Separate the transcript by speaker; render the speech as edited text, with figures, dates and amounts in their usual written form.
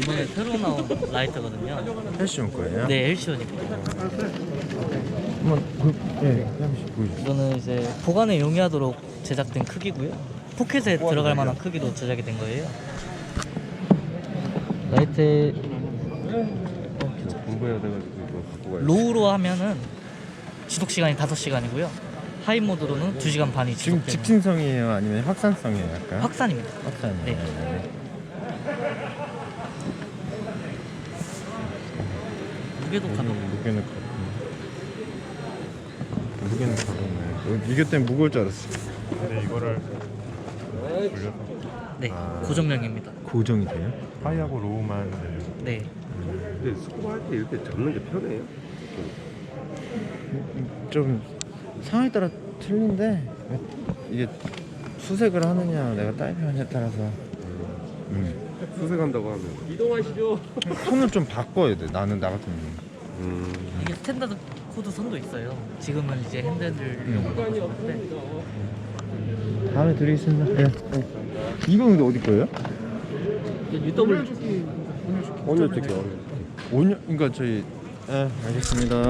Speaker 1: 이번에 새로 나온 라이트거든요.
Speaker 2: 패션 거예요?
Speaker 1: 네, 엘시온입니다.
Speaker 2: 한번 잠시 보여주세요.
Speaker 1: 이거는 이제 보관에 용이하도록 제작된 크기고요. 포켓에 들어갈 만한 크기로 제작이 된 거예요. 라이트
Speaker 2: 공부해야 돼가지고 이거 갖고 가요.
Speaker 1: 로우로 하면은 지속 시간이 5시간이고요. 하이 모드로는 2시간 반이
Speaker 2: 지금
Speaker 1: 지속되는
Speaker 2: 직진성이에요? 아니면 확산성이에요? 약간?
Speaker 1: 확산입니다.
Speaker 2: 확산이에요.
Speaker 1: 네. 무게도 가볍고
Speaker 2: 무게는 가볍네. 이게 때문에 무거울 줄 알았어. 근데 이거를 돌려서
Speaker 1: 네, 고정형입니다.
Speaker 2: 고정이 돼요? 하이하고 로우만.
Speaker 1: 네.
Speaker 3: 근데 스쿠버 할 때 이렇게 잡는 게 편해요?
Speaker 2: 좀 상황에 따라 틀린데 이게 수색을 하느냐 내가 다이빙하느냐에 따라서
Speaker 3: 수색한다고 하면 이동하시죠.
Speaker 2: 손을 좀 바꿔야 돼. 나는 나 같은 경우.
Speaker 1: 이게 스탠다드 코드 선도 있어요. 지금은 이제 핸들용으로 하는데
Speaker 2: 다음에 드리겠습니다. 네. 이건 근데 어디 거예요?
Speaker 1: UW
Speaker 3: 오늘 특히
Speaker 2: 그러니까 저희 알겠습니다.